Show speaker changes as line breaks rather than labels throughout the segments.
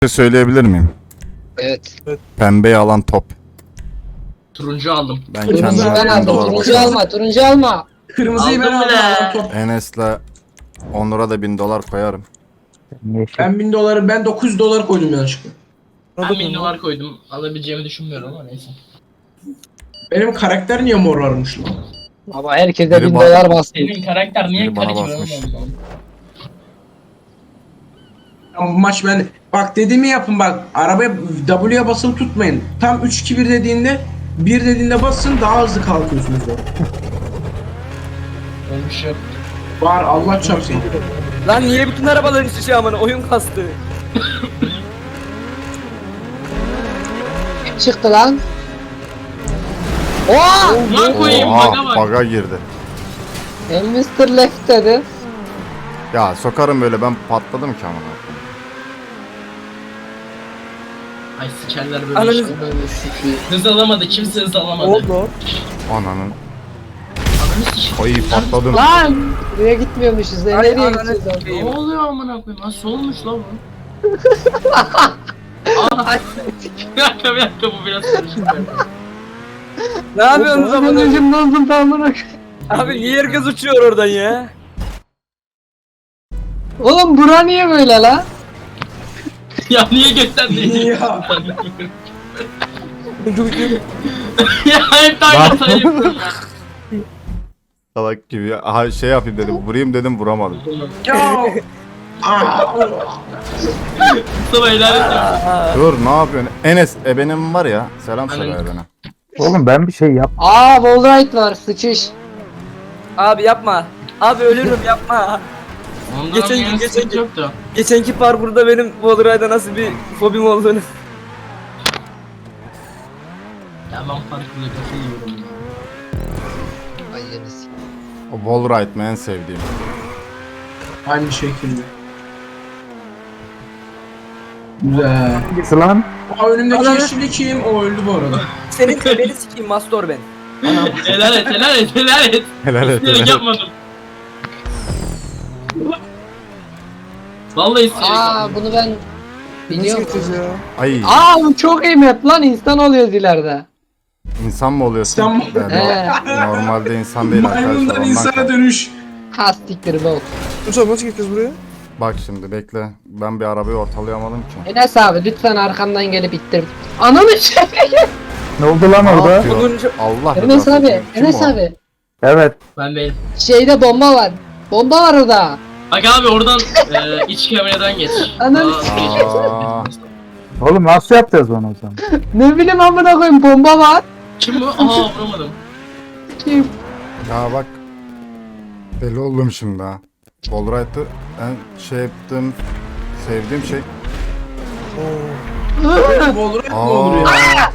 Söyleyebilir miyim?
Evet.
Pembeyi alan top.
Turuncu aldım.
Ben
Turuncu
kendime
ben
1000
aldım.
dolar
Turuncu
basarım.
alma. Turuncu alma.
Kırmızıyı ben
Aldım
aldım.
bile.
Alan top.
Enes'le Onur'a da 1000 dolar koyarım.
Ben 1000 doları, ben 900 dolar koydum yanlışlıkla.
Ben 1000 dolar koydum. Alabileceğimi düşünmüyorum ama neyse.
Benim karakter niye mor varmış lan?
Ama herkese
Biri
1000
bak-
dolar bastı.
Senin karakter niye
Biri bana
karı gibi
basmış.
olmadı?
Ama bu maç ben... Bak dediğimi yapın bak. Arabaya W'ye basılı tutmayın. Tam 3-2-1 dediğinde 1 dediğinde basın daha hızlı kalkıyorsunuz.
Öyle bir şey yok.
Var Allah çarpsın.
Lan niye bütün arabaların şişe amına oyun kastı.
Çıktı lan. Oha!
Lan koyayım baga bak.
Baga girdi.
Mr. Left dedi.
Ya sokarım böyle, ben patladım ki amına.
Ay sikerler böyle
Ananı-
işte. Hız alamadı. Kimse hız alamadı.
Oldu.
Ananın.
Ananı sikeyim.
Oy patladım.
Lan! Buraya gitmiyormuşuz.
Ay,
Nereye
ananı
gideceğiz?
sikeyim.
Ne oluyor amına koyayım? Nasıl olmuş lan bu? Bir dakika bu biraz karışık.
Ne yapıyorsunuz amına?
Anacım doldum tamamına.
Abi niye herkes uçuyor oradan ya?
Oğlum bura niye böyle lan?
Ya niye gösterdin?
Ya.
Ya hep daha hatayı yapıyorum ya.
Salak gibi ya. Aha, şey yapayım dedim. Vurayım dedim, vuramadım.
Ya.
Mustafa helal et ya.
Dur, ne yapıyorsun? Enes benim var ya. Selam söyle
Aynen.
ebene.
Oğlum ben bir şey yap.
Aa wallride var sıçış.
Abi yapma. Abi ölürüm yapma.
Ondan
Geçen
yana
gün,
sıkıntı
geçen gün.
yoktu.
Geçenki parkurda benim Wallride'a nasıl bir fobim olduğunu.
Ya ben farklı katılıyorum.
Ay yenisi.
O wallride mi en sevdiğim.
Aynı şekilde. Güzel.
Hangisi lan?
Aa, önümdeki
Ananı-
yeşilli kim? O öldü bu arada.
Senin beni sikeyim Mastor ben.
Helal et helal et helal et.
Helal et.
İsteyerek
helal et.
yapmadım. Vallahi isteyerek
Aa
yapmadım.
bunu ben biliyorum.
Ay,
Aa bu çok iyi map lan insan oluyoruz ileride.
insan mı oluyorsun?
İnsan mı?
Yani normalde insan değil arkadaşlar.
Maymundan
Ondan
insana
kal-
dönüş.
Ha siktir bol.
Mustafa nasıl gideceğiz buraya?
Bak şimdi bekle. Ben bir arabayı ortalayamadım ki.
Enes abi lütfen arkamdan gelip ittir. Ananı şey.
Ne oldu lan
Ne
orada?
yapıyor?
Onuncu-
Allah
Enes
rızası
abi,
için. Kim
Enes
o?
abi.
Evet.
Ben değilim.
Şeyde bomba var. Bomba var orada.
Bak abi oradan iç kameradan geç.
Ananı
Aa,
Oğlum nasıl yapacağız onu o zaman?
Ne bileyim amına koyayım bomba var.
Kim bu? Aha vuramadım.
Kim?
ya bak. Deli oldum şimdi ha. Wallride'ı en şey yaptığım, sevdiğim şey.
Olur ne olur ya.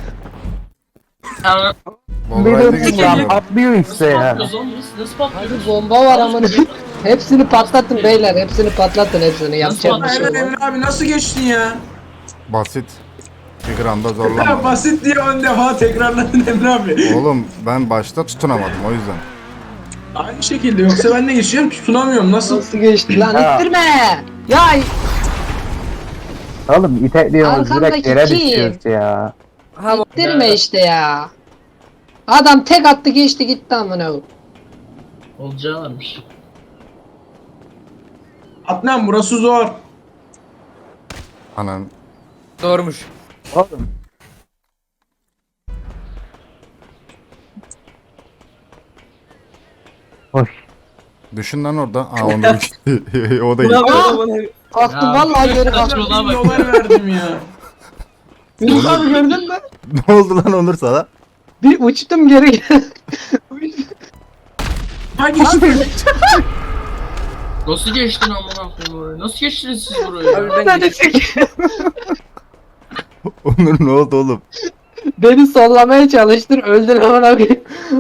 Yani
Wallride'ı
Bir de
geçiyorum.
atlıyor işte ya.
patlıyoruz oğlum biz. Nasıl patlıyoruz?
Abi bomba var amına. Hepsini patlatın beyler. Hepsini patlatın hepsini. Yapacak bir şey
Hemen
yok.
Emre abi nasıl geçtin ya?
Basit. Bir gramda
Ya
zorlamadım.
basit diye 10 defa tekrarladın Emre abi.
Oğlum ben başta tutunamadım o yüzden.
Aynı şekilde yoksa ben de geçeceğim tutunamıyorum nasıl?
Nasıl geçti lan
Ya.
ittirme. Ya
Oğlum itekliyoruz direkt
Arkandaki
yere
kim?
düşüyoruz ya.
Ha
ittirme işte ya. Adam tek attı geçti gitti amına.
Olacağı varmış.
Adnan burası zor.
Anan.
doğrumuş.
Oğlum. Hoş.
Düşün lan orada. Aa Onur gitti. O da
Ne
gitti.
yapıyorsun amına?
Kalktım
Ya,
vallahi geri
kaç
kalktım.
yola
1000
bak.
dolar verdim ya.
Yunus abi gördün mü?
Ne oldu lan Onur sana?
Bir uçtum geri.
Ha geçtin.
Nasıl geçtin amına koyayım oraya? Nasıl geçtiniz siz buraya?
Abi ben
Hadi
geçtim.
çek.
Onur ne oldu oğlum?
Beni sollamaya çalıştın öldün amına koyayım.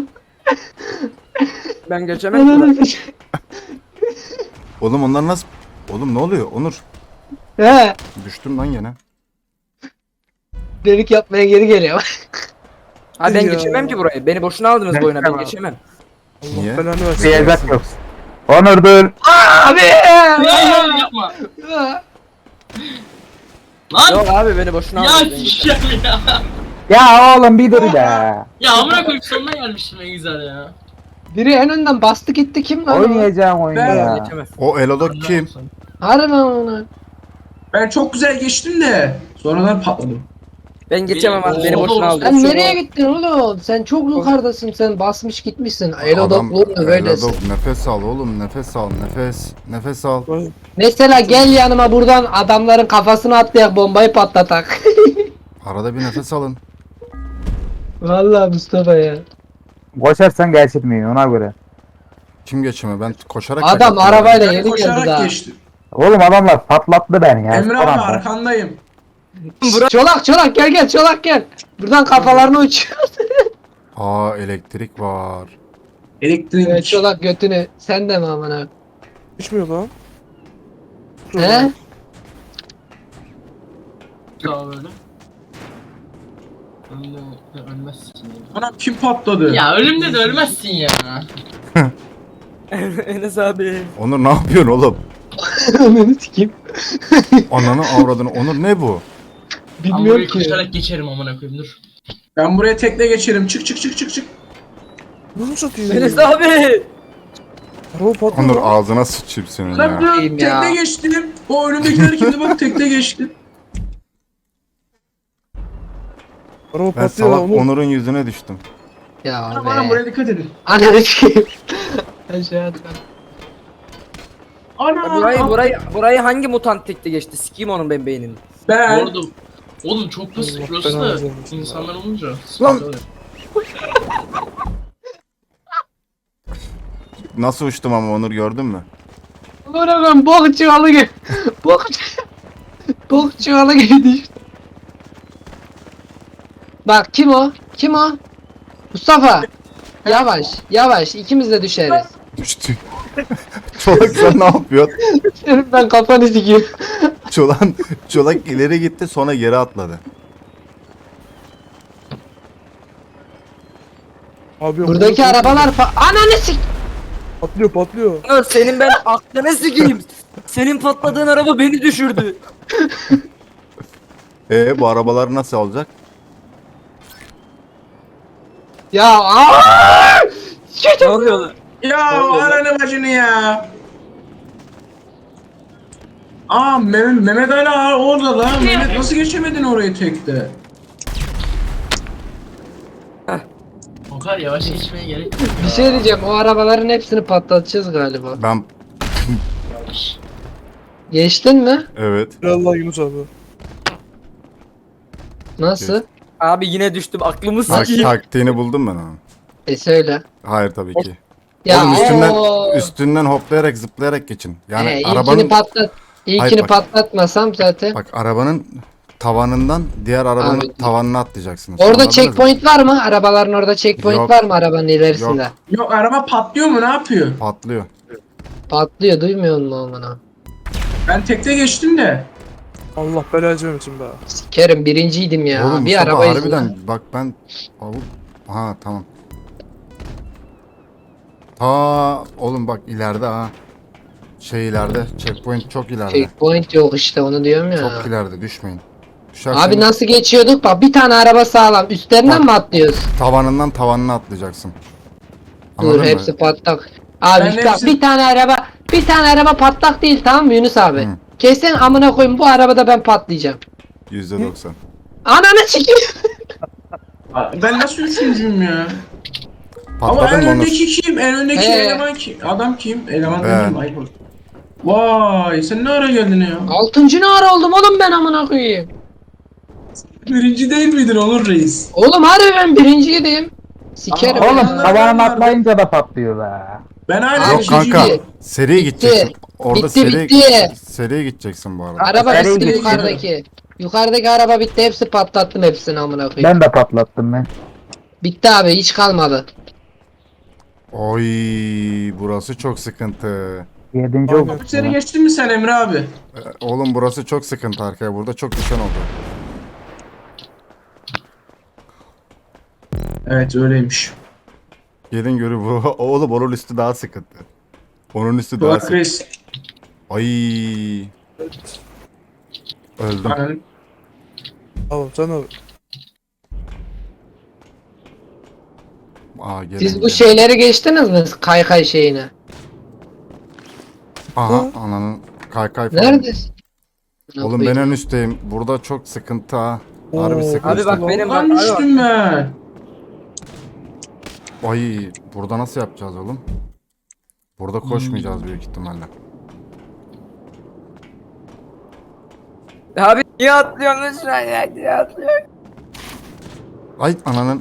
Ben geçemem. ki.
Ananı s-
Oğlum onlar nasıl? Oğlum ne oluyor Onur?
He.
Düştüm lan gene.
Delik yapmaya geri geliyor.
Ha ben
Ya.
geçemem ki burayı. Beni boşuna aldınız bu oyuna ben
Geçemem.
geçemem.
Niye?
Belanı versin.
Diyecek yok. Onur dur.
Abi!
Ya, yapma. Lan!
Yok abi beni boşuna
Ya
aldın.
sikeceğim ya.
Ya oğlum bir dur be.
Ya amına koyup sonuna gelmiştim en güzel ya.
Biri en önden bastı gitti kim lan o?
Oynayacağım oyunu
Ben-
ya.
Geçemez.
O Elodok kim?
Harbi onu.
Ben çok güzel geçtim de sonradan patladım.
Ben geçemem abi beni
Benim-
boşuna aldın.
Sen nereye gittin oğlum? Sen çok yukarıdasın, sen basmış gitmişsin.
Adam
Elodoklu böylesin.
Elodok nefes al oğlum, nefes al, nefes. Nefes al.
Mesela gel yanıma buradan adamların kafasına atlayak bombayı patlatak.
Arada bir nefes alın.
Vallahi Mustafa ya.
Koşarsan geçirmiyor ona göre.
Kim geçemiyor? Ben koşarak
Adam
kaçtım.
arabayla
Ben
yeni geldi
koşarak
daha.
geçtim.
Oğlum adamlar patlattı beni ya.
Emre
son
abi
anda.
arkandayım.
Çolak gel Çolak gel. Buradan kafalarını uçuyor.
Aa, elektrik var.
Elektrik.
Evet, Çolak götünü. Sen de mi amına?
Düşmüyor lan.
He?
Sağ böyle. Ölmezsin ya.
Anam kim patladı?
Ya ölümde de ölmezsin ya.
Enes abi.
Onur ne yapıyorsun oğlum?
Ananı sikeyim.
Ananı avradını. Onur ne bu?
Ama
Bilmiyorum
burayı
ki.
koşarak geçerim amına koyayım dur.
Ben buraya tekle geçerim. Çık çık çık çık çık.
Bunu satıyor.
Enes abi.
Araba patlıyor.
Onur
lan.
ağzına sıçayım senin
Lan
ya.
dur
Bakayım ya.
tekle geçtim. O önümdekiler kimdi bak tekle geçtim.
Araba
Ben
patlıyor
salak
lan oğlum.
Onur'un yüzüne düştüm.
Ya
Anam
be.
buraya dikkat edin.
Ananı sikeyim. Aşağı atla.
Burayı hangi mutant tekte geçti? Sikeyim onun ben beynini.
Bu
Ben
arada oğlum çok basit
Allah
burası
belanı
da
versin.
insanlar olunca.
Lan!
sıkıntı oluyor.
Nasıl uçtum ama Onur gördün mü?
Bırakın bok çuvalı gibi. Bok çuvalı gibi düştü. Bak kim o? Kim o? Mustafa. Yavaş ikimiz de düşeriz.
Düştü. Çolak sen ne yapıyorsun?
Senin ben kafanı sikeyim.
Çolak ileri gitti sonra geri atladı.
Abi yok,
Buradaki
yok, yok.
arabalar Ananı sik.
Patlıyor patlıyor.
Onur senin ben aklını sikeyim. Senin patladığın araba beni düşürdü.
Bu arabaları nasıl alacak?
Ya aaa!
Ne oluyor lan?
ya ananı bacını ya. Aa Mehmet hala orada lan. Mehmet nasıl geçemedin orayı tekte?
O kadar yavaş geçmeye gerek yok.
Bir şey diyeceğim, o arabaların hepsini patlatacağız galiba.
Ben
Geçtin mi?
evet.
Allah Yunus abi.
Nasıl?
Abi yine düştüm aklımı
Tak,
sikeyim.
taktiğini buldum ben onun.
Söyle.
Hayır tabii ki.
Ya
Oğlum
oo.
üstünden hoplayarak zıplayarak geçin. Yani
İlkini
arabanın
patlat. İlkini
Hayır, bak.
patlatmasam zaten.
bak arabanın tavanından diğer arabanın
Abi.
tavanına atlayacaksınız.
Orada
Anladınız mı?
checkpoint var mı? Arabaların orada checkpoint
Yok.
var mı arabanın ilerisinde?
Yok araba patlıyor mu ne yapıyor?
Patlıyor.
Patlıyor, duymuyor musun amına?
Ben tekte geçtim de.
Allah belanı vermesin be.
Sikerim birinciydim ya.
Oğlum
bir
Mustafa
araba
harbiden
yüzünden.
bak ben ha tamam. Oğlum bak ileride ha. Şey ileride checkpoint çok ileride.
Checkpoint yok işte, onu diyorum ya.
Çok ileride düşmeyin. Düşerseniz
Abi nasıl geçiyorduk? Bak bir tane araba sağlam. Üstlerinden
Bak.
mi atlıyoruz?
tavanından tavanına atlayacaksın.
Dur
Anladın mı?
hepsi patlak. Abi
Ben
bak,
hepsi-
bir tane araba patlak değil, tamam mı Yunus abi?
Hı.
Kesin amına koyayım, bu arabada ben patlayacağım.
%90.
Ananı sikeyim.
Ben nasıl üçüncüyüm ya? Ama
Patladın
en
mı Onur?
öndeki kim? En öndeki
He.
eleman kim? Adam kim? Eleman
Ben.
dedim ayıp oldu. Vay sen ne ara geldin ya?
Altıncı ne ara oldum oğlum ben amına koyayım.
Birinci değil miydin Onur Reis?
Oğlum harbi ben birinciydim. Sikerim.
Aa,
Oğlum
ya.
Allah.
tavanına atlayınca da patlıyor be.
Ben hala
Yok
ikinciyim.
kanka.
Bitti.
Seri gideceksin. Orada
Bitti,
seri
bitti.
seriye gideceksin bu arada.
Araba
Nereye
bitti
gidiyor?
yukarıdaki. Yukarıdaki araba bitti, hepsi patlattım hepsini amına koyayım.
Ben de patlattım ben.
Bitti abi, hiç kalmadı.
Oy burası çok sıkıntı.
7.
Aynen.
oldu.
Seni geçtin mi sen Emre abi?
Oğlum burası çok sıkıntı arkaya. Burada çok düşen oldu.
Evet öyleymiş.
Gelin görü bu. Oğlum onun üstü daha sıkıntı. Onun üstü daha
Bak
sıkıntı.
Reis.
Ay. Öldüm.
Ananı-
Tamam sen abi.
Aa, gelin,
Siz bu
gelin.
şeyleri geçtiniz mi? Kaykay şeyini.
Aha ananın kaykay falan.
Neredesin?
Oğlum ben en üstteyim. Burada çok sıkıntı ha. Harbi
Oo.
sıkıntı.
Abi bak benim
Lan
bak. Abi bak.
düştüm ben.
Ay burada nasıl yapacağız oğlum? Burada koşmayacağız büyük ihtimalle.
Abi niye atlıyorsun lan şu an ya? Niye atlıyorsun?
Ay ananın.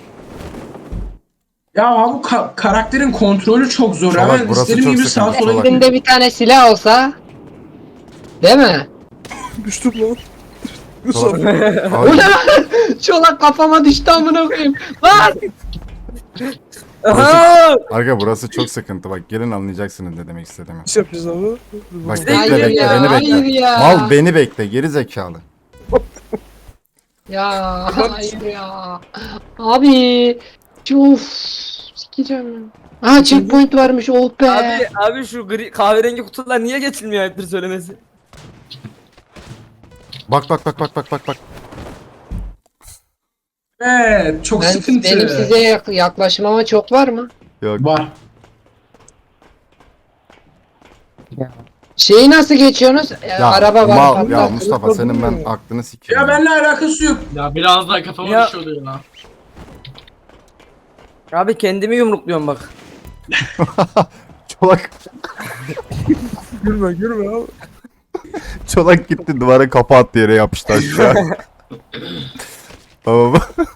Ya abi bu karakterin kontrolü çok zor.
Çolak,
Hemen
burası
istediğim
çok
gibi sağa
sıkıntı,
sola
Çolak.
gidiyorum.
Elinde bir tane silah olsa. Değil mi?
Düştüm lan.
Çolak.
Yusuf.
Bu
Ay,
ne lan? Çolak kafama düştü amına koyayım. Lan!
Aha!
Arka burası çok sıkıntı. Bak gelin anlayacaksınız ne demek istediğimi.
Nasıl yapacağız abi?
Bak
Hayır
bekle bekle
ya,
beni
hayır
bekle.
ya.
Mal beni bekle geri zekalı.
Ya hayır ya. Abi. Of. Sikeceğim. Ha checkpoint varmış oh be.
Abi şu gri kahverengi kutular niye geçilmiyor ayıptır söylemesi?
Bak bak bak bak bak bak bak.
Evet çok sıkıntı.
Benim size yaklaşmama çok var mı?
Yok.
Var.
Şeyi nasıl geçiyorsunuz?
Ya,
Araba var.
mal,
hatta.
ya Mustafa senin ben aklını sikeyim.
Ya benimle alakası yok.
Ya biraz daha kafama
Ya.
düşüyordu ya.
Abi kendimi yumrukluyorum bak.
Çolak,
Gülme gülme abi.
çolak gitti duvara kafa attı yere yapıştı aşağı. Tamam.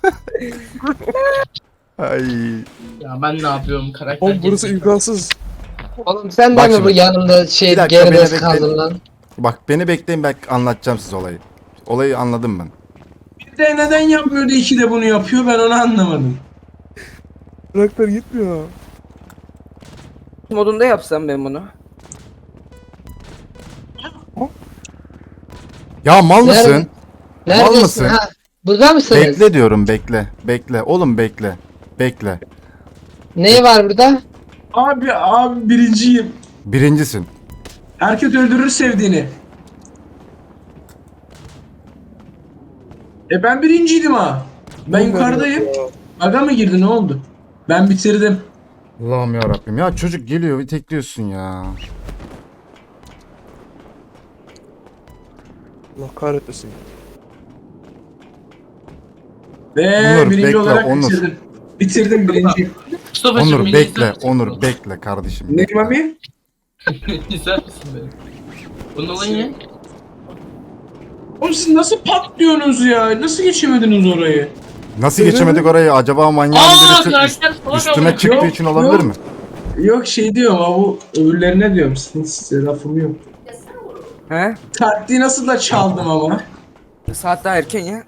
Ay.
Ya ben ne yapıyorum karakter
Oğlum burası
gelişimi.
imkansız.
Oğlum sen de
Bak
mi bu
şimdi.
yanımda
Bir
şey
dakika,
geride
beni
kaldın
bekle.
lan?
Bak beni bekleyin ben anlatacağım size olayı. Olayı anladım ben.
Bir de neden yapmıyordu iki de bunu yapıyor ben onu anlamadım.
Karakter gitmiyor.
Modunda yapsam ben bunu.
Ya mal
Nerede?
mısın?
Neredesin?
mısın?
Ha, burada mısınız?
Bekle diyorum bekle. Bekle. Oğlum bekle. Bekle.
Ne var burada?
Abi birinciyim.
Birincisin.
Herkes öldürür sevdiğini. Ben birinciydim ha. Ben
Oğlum
yukarıdayım.
ya.
Aga mı girdi ne oldu? Ben bitirdim.
Allah'ım ya Rabbim. Ya çocuk geliyor bir tekliyorsun ya.
Allah kahretmesin.
Ve
Onur,
birinci
bekle,
olarak
Onur.
bitirdim. Bitirdim birinci.
Mustafa'cığım
Onur
beni
bekle.
izler misin?
Onur bekle kardeşim.
Neyim abi?
İzler misin beni? Bunun olayı ne?
Oğlum siz nasıl patlıyorsunuz ya? Nasıl geçemediniz orayı?
Nasıl geçemedik orayı? Acaba manyağın
Aaa
birisi
karakter salak
üstüme
oldu.
çıktığı
Yok,
için olabilir
yok.
mi?
Yok şey diyorum ama bu öbürlerine diyorum. Size lafım yok.
He?
Taktiği nasıl da çaldım ama.
Saat daha erken ya.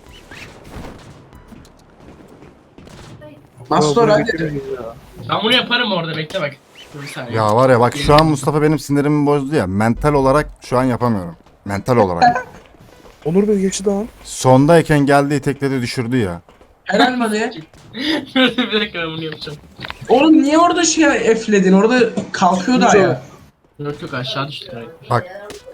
Mastor
Ya,
hadi.
Ben bunu yaparım orada bekle bak. Dur bir saniye.
Ya var ya bak şu an Mustafa benim sinirimi bozdu ya. Mental olarak şu an yapamıyorum. Mental olarak.
Onur Bey geçti daha.
Sondayken geldi itekledi düşürdü ya.
Helal mi be?
Bir dakika ben bunu yapacağım.
Oğlum niye orada şey efledin? Orada kalkıyor da ya.
Yok yok aşağı düştü karakter.
Bak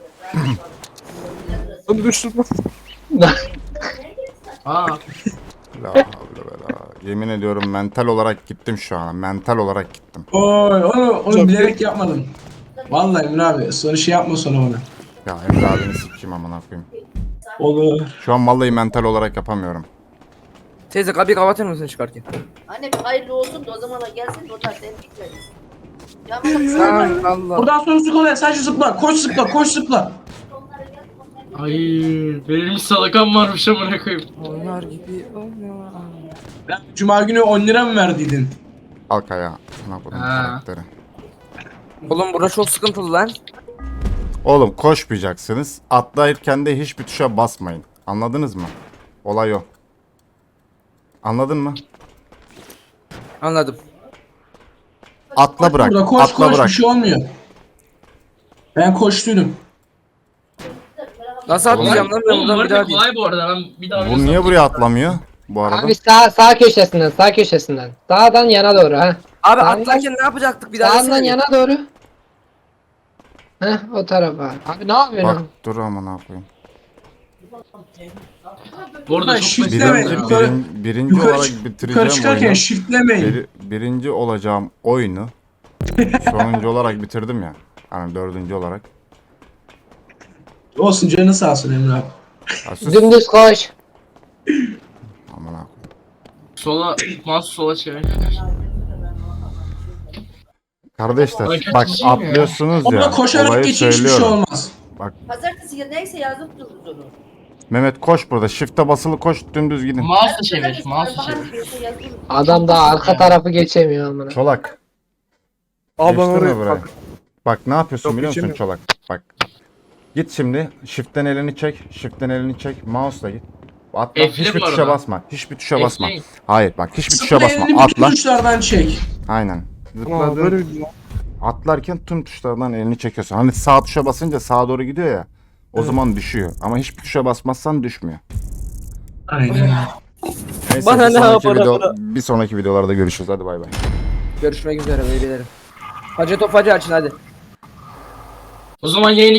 Onu düştüm lan.
Aa
la havle ve la. Yemin ediyorum mental olarak gittim şu an. Mental olarak gittim.
Oy onu
Çok
bilerek yapmadım. Vallahi Emre abi sonra şey yapma sonra bana.
Ya Emre abini sikeyim amına koyayım.
Olur.
Şu an vallahi mental olarak yapamıyorum.
Teyze kapıyı kapatır mısın çıkarken?
Anne bir hayırlı olsun da o zamana gelsin de o tarz sen gitmedin. Ya bak
Allah.
Buradan sonrası kolay. Sadece zıpla. Koş zıpla. Koş zıpla.
ay benim salakam varmış amına koyayım.
Onlar gibi olma.
Ben Cuma günü 10 lira mı verdiydin?
Kalk ayağa. Ne yapalım
Ha.
karakteri.
Oğlum burası çok sıkıntılı lan.
Oğlum koşmayacaksınız. Atlarken de hiçbir tuşa basmayın. Anladınız mı? Olay o. Anladın mı?
Anladım.
Atla bırak.
Burada koş
Atla
koş
bırak.
bir şey olmuyor. Ben koştuydum.
Nasıl atlayacağım lan ben
Oğlum
buradan bir
harita
daha değil.
kolay bu arada ben bir daha
Bu niye buraya atlamıyor? Bu arada.
Abi sağ köşesinden, sağ köşesinden. Sağdan yana doğru ha.
Abi
Sağdan-
atlarken ne yapacaktık bir daha
Sağdan
desene.
yana doğru. Heh o tarafa. Abi ne yapıyorsun?
Bak dur ama ne yapayım.
Bu arada
Ha,
çok
shift'le
basit.
evet.
Birinci,
Yukarı-
birinci
yukarı
olarak
çık-
bitireceğim
Yukarı çıkarken
oyunu.
shiftlemeyin.
Birinci olacağım oyunu sonuncu olarak bitirdim ya. Yani dördüncü olarak.
Olsun canı sağ olsun Emre abi.
Ya sus.
Dümdüz koş.
Aman ha.
Sola, mouse sola çevir.
Kardeşler
Ay,
bak
kaçıncıyım ya?
atlıyorsunuz
Ona
ya.
koşarak
Olayı
geçin hiçbir şey
söylüyorum.
olmaz.
Pazartesi ya neyse yazıp dururuz onu.
Mehmet koş burada. Shift'e basılı koş dümdüz gidin.
Mouse'la çevir, mouse'la
Bahar
çevir.
diyorsa yazılır.
Adam da arka tarafı geçemiyor amına.
Çolak.
Abi ben
Geçtin mi
oraya
buraya?
bak.
Bak ne yapıyorsun
Yok,
biliyor musun
geçemiyorum.
Çolak? Bak. Git şimdi. Shift'ten elini çek. Shift'ten elini çek. Mouse'la git. Atla.
F1
Hiçbir
bu
tuşa
arada.
basma. Hiçbir tuşa basma.
F1.
Hayır bak hiçbir tuşa
Sıfır
basma.
elini bütün
Atla.
tuşlardan çek.
Aynen.
Ama böyle
Zıpladın.
bir
Atlarken tüm tuşlardan elini çekiyorsun. Hani sağ tuşa basınca sağa doğru gidiyor ya. O
Evet.
zaman düşüyor. Ama hiçbir tuşa basmazsan düşmüyor.
Aynen.
Neyse,
Bana
bir
ne
sonraki
yapar,
video-
bana?
bir sonraki videolarda görüşürüz. Hadi bay bay.
Görüşmek üzere beylerim. Hacı Topacı açın hadi.
O zaman yayını